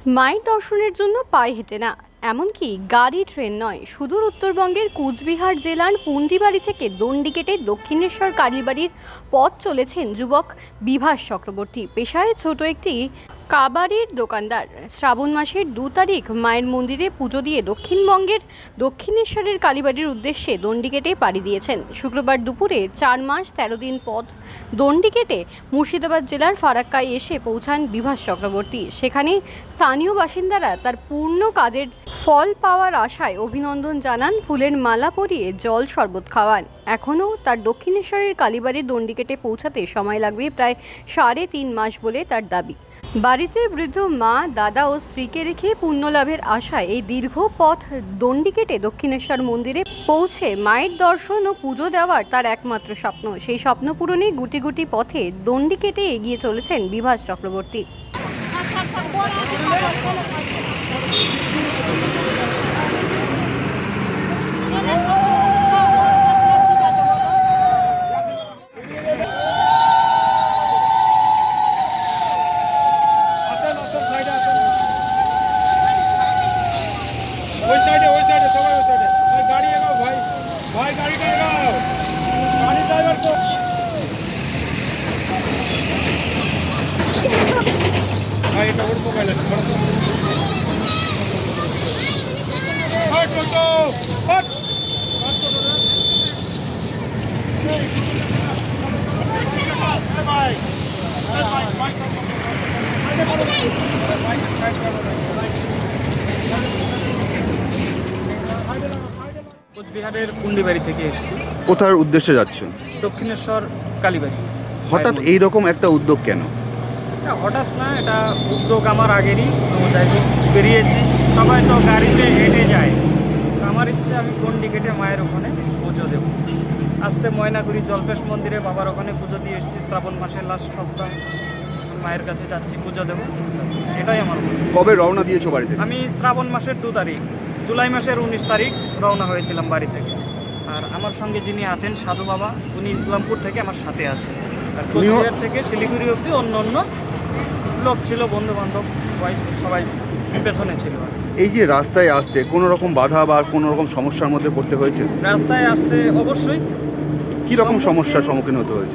মায়ের দর্শনের জন্য পায়ে হেঁটে না, এমনকি গাড়ি ট্রেন নয়, সুদূর উত্তরবঙ্গের কুচবিহার জেলার পুন্ডিবাড়ি থেকে দণ্ডিকেটে দক্ষিণেশ্বর কালীবাড়ির পথ চলেছেন যুবক বিভাস চক্রবর্তী। পেশায় ছোট একটি কাবাড়ির দোকানদার। শ্রাবণ মাসের 2 তারিখ মায়ের মন্দিরে পুজো দিয়ে দক্ষিণবঙ্গের দক্ষিণেশ্বরের কালীবাড়ির উদ্দেশ্যে দণ্ডিকেটে পাড়ি দিয়েছেন। শুক্রবার দুপুরে 4 মাস 13 দিন পথ দণ্ডিকেটে মুর্শিদাবাদ জেলার ফারাক্কায় এসে পৌঁছান বিভাস চক্রবর্তী। সেখানে স্থানীয় বাসিন্দারা তার পূর্ণ কাজের ফল পাওয়ার আশায় অভিনন্দন জানান, ফুলের মালা পরিয়ে জল শরবত খাওয়ান। এখনও তার দক্ষিণেশ্বরের কালীবাড়ির দণ্ডিকেটে পৌঁছাতে সময় লাগবে প্রায় 3.5 মাস বলে তার দাবি। বাড়িতে বৃদ্ধ মা, দাদা ও স্ত্রীকে রেখে পুণ্যলাভের আশায় এই দীর্ঘ পথ দণ্ডিকেটে দক্ষিণেশ্বর মন্দিরে পৌঁছে মায়ের দর্শন ও পুজো দেওয়ার তার একমাত্র স্বপ্ন। সেই স্বপ্ন পূরণে গুটি গুটি পথে দণ্ডিকেটে এগিয়ে চলেছেন বিভাস চক্রবর্তী। ওই সাইডে সবাই ওই সাইডে। ভাই গাড়ি এগাও, ভাই গাড়িটা এগাও, গাড়ি ড্রাইভার তো ভাই এটা ওর মোবাইল আছে। হট টোটো হট ভাই কোচবিহারের পুন্ডিবাড়ি থেকে এসেছি। কোথার উদ্দেশ্যে যাচ্ছেন? দক্ষিণেশ্বর কালীবাড়ি। হঠাৎ এই রকম একটা উদ্যোগ কেন? হঠাৎ না, এটা উদ্যোগ আমার আগেরই। তো যাই হোক বেরিয়েছি, সবাই তো গাড়িতে হেঁটে যায়, তো আমার ইচ্ছে আমি দণ্ডিকেটে মায়ের ওখানে পুজো দেবো। আসতে ময়নাগুড়ি জল্পেশ মন্দিরে বাবার ওখানে পুজো দিয়ে এসেছি। শ্রাবণ মাসের লাস্ট সপ্তাহ মায়ের কাছে যাচ্ছি, পুজো দেবো। এটাই আমার মনে। কবে রওনা দিয়েছো বাড়িতে? আমি শ্রাবণ মাসের 2 তারিখ, জুলাই মাসের 19 তারিখ রওনা হয়েছিলাম বাড়ি থেকে। আর আমার সঙ্গে যিনি আছেন সাধু বাবা, উনি ইসলামপুর থেকে আমার সাথে আছেন। আর কোচবিহার থেকে শিলিগুড়ি অবধি অন্য অন্য লোক ছিল, বন্ধু বান্ধব সবাই পেছনে ছিল। এই যে রাস্তায় আসতে কোনো রকম বাধা বা কোনো রকম সমস্যার মধ্যে পড়তে হয়েছে? রাস্তায় আসতে অবশ্যই। কি রকম সমস্যার সম্মুখীন হতে হয়েছে?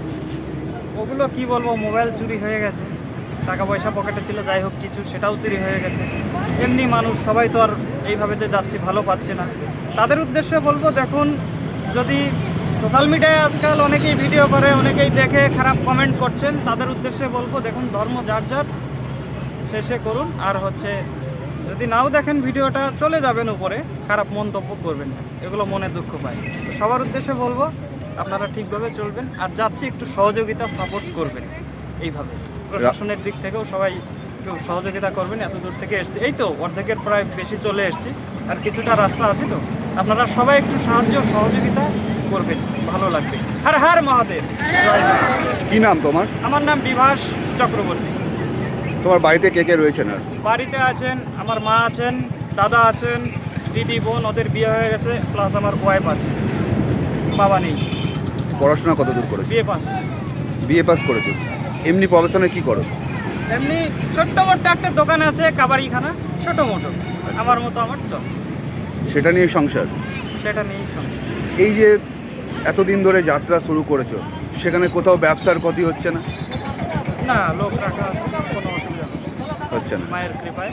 ওগুলো কি বলবো, মোবাইল চুরি হয়ে গেছে, টাকা পয়সা পকেটে ছিল, যাই হোক কিছু সেটাও চুরি হয়ে গেছে। এমনি মানুষ সবাই তো আর এইভাবে যে যাচ্ছি ভালো পাচ্ছে না। তাদের উদ্দেশ্যে বলবো, দেখুন, যদি সোশ্যাল মিডিয়ায় আজকাল অনেকেই ভিডিও করে, অনেকেই দেখে খারাপ কমেন্ট করছেন, তাদের উদ্দেশ্যে বলবো, দেখুন, ধর্ম যার যার, শেষে করুন। আর যদি নাও দেখেন ভিডিওটা, চলে যাবেন উপরে, খারাপ মন্তব্য করবেন না, এগুলো মনে দুঃখ পায়। তো সবার উদ্দেশ্যে বলবো, আপনারা ঠিকভাবে চলবেন, আর যাচ্ছি একটু সহযোগিতা সাপোর্ট করবেন। এইভাবে প্রশাসনের দিক থেকেও সবাই একটু সহযোগিতা করবেন। এত দূর থেকে এসছি, এই তো অর্ধেকের প্রায় বেশি চলে এসছি, আর কিছুটা রাস্তা আছে। তো আপনারা সবাই একটু সাহায্য সহযোগিতা করবেন, ভালো লাগবে। হর হর মহাদেব। কি নাম তোমার? আমার নাম বিভাস চক্রবর্তী। তোমার বাড়িতে কে কে রয়েছেন? আর বাড়িতে আছেন আমার মা আছেন, দাদা আছেন, দিদি, বোন, ওদের বিয়ে হয়ে গেছে, প্লাস আমার ওয়াইফ আছে, বাবা নেই। পড়াশোনা কত দূর করেছো? বিয়ে পাস। বিএ পাস করেছো। এমনি প্রফেশনে কি করো? এমনি ছোট্ট মোটো একটা দোকান আছে, কাবাড়িখানা, ছোট মোটো, আমার মতো আমার চল। সেটা নিয়ে সংসার? সেটা নেই সঙ্গে। এই যে এতদিন ধরে যাত্রা শুরু করেছো, সেখানে কোথাও ব্যবসার ক্ষতি হচ্ছে না? না, লোক রাখা আছে, কোনো অসুবিধা হচ্ছে না। মায়ের কৃপায়।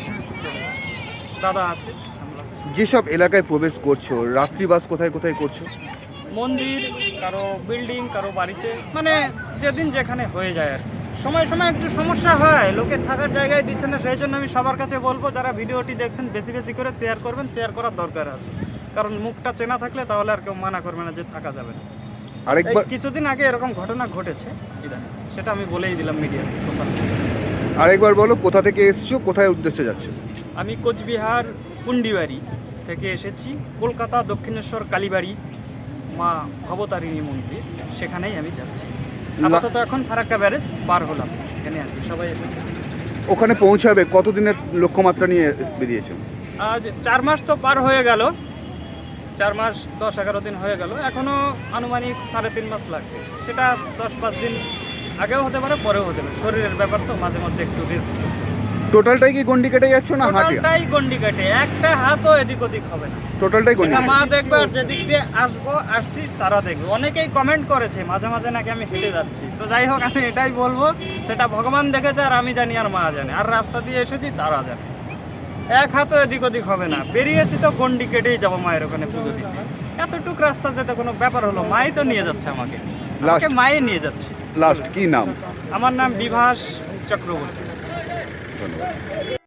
দাদা আছে, সামলাচ্ছে। যেসব এলাকায় প্রবেশ করছো, রাত্রিবাস কোথায় কোথায় করছো? মন্দির, কারো বিল্ডিং, কারো বাড়িতে, মানে যেদিন যেখানে হয়ে যায় আর সময় সময় একটু সমস্যা হয়, লোকে থাকার জায়গায় দিচ্ছে না। সেই জন্য আমি সবার কাছে বলবো, যারা ভিডিওটি দেখছেন বেশি বেশি করে শেয়ার করবেন, শেয়ার করার দরকার আছে। কারণ মুখটা চেনা থাকলে তাহলে আর কেউ মানা করবে না যে থাকা যাবে না। আরেকবার, কিছুদিন আগে এরকম ঘটনা ঘটেছে, সেটা আমি বলেই দিলাম মিডিয়াতে, সোশ্যাল মিডিয়াতে। আরেকবার বলো, কোথা থেকে এসছো, কোথায় উদ্দেশ্যে যাচ্ছ? আমি কোচবিহার পুন্ডিবাড়ি থেকে এসেছি, কলকাতা দক্ষিণেশ্বর কালীবাড়ি মা ভবতারিণী মন্দির, সেখানেই আমি যাচ্ছি। আপাতত এখন ফারাক্কা ব্যারেজ পার হলাম, এখানে আছি, সবাই এসেছে। ওখানে পৌঁছাবে কতদিনের লক্ষ্যমাত্রা নিয়ে বেরিয়েছেন? আজ 4 মাস তো পার হয়ে গেল, 4 মাস 10-11 দিন হয়ে গেল, এখনও আনুমানিক 3.5 মাস লাগবে। সেটা 10-5 দিন আগেও হতে পারে, পরেও হতে পারে, শরীরের ব্যাপার তো, মাঝে মধ্যে একটু রেস্ট। টোটালটাই কি গন্ডি কেটে যাচ্ছ না হাঁটে? টোটালটাই গন্ডি কাটে, একটা হাতও এদিক ওদিক হবে না। টোটালটাই গন্ডি এটা কেটে। মা দেখবে, আর যেদিক দিয়ে আসছি তারা দেখবে। অনেকেই কমেন্ট করেছে মাঝে মাঝে নাকি আমি হেঁটে যাচ্ছি। তো যাই হোক, আমি এটাই বলবো, সেটা ভগবান দেখেছে আর আমি জানি আর মা জানে, আর রাস্তা দিয়ে এসেছি তারা জানে। এক হাতও এদিক ওদিক হবে না। বেরিয়েছি তো গন্ডি কেটেই যাবো মায়ের ওখানে পুজো দিতে। এতটুক রাস্তা যেতে কোনো ব্যাপার হলো, মাই তো নিয়ে যাচ্ছে আমাকে, মায়ে নিয়ে যাচ্ছে। লাস্ট কি নাম? আমার নাম বিভাস চক্রবর্তী। ধন্যবাদ।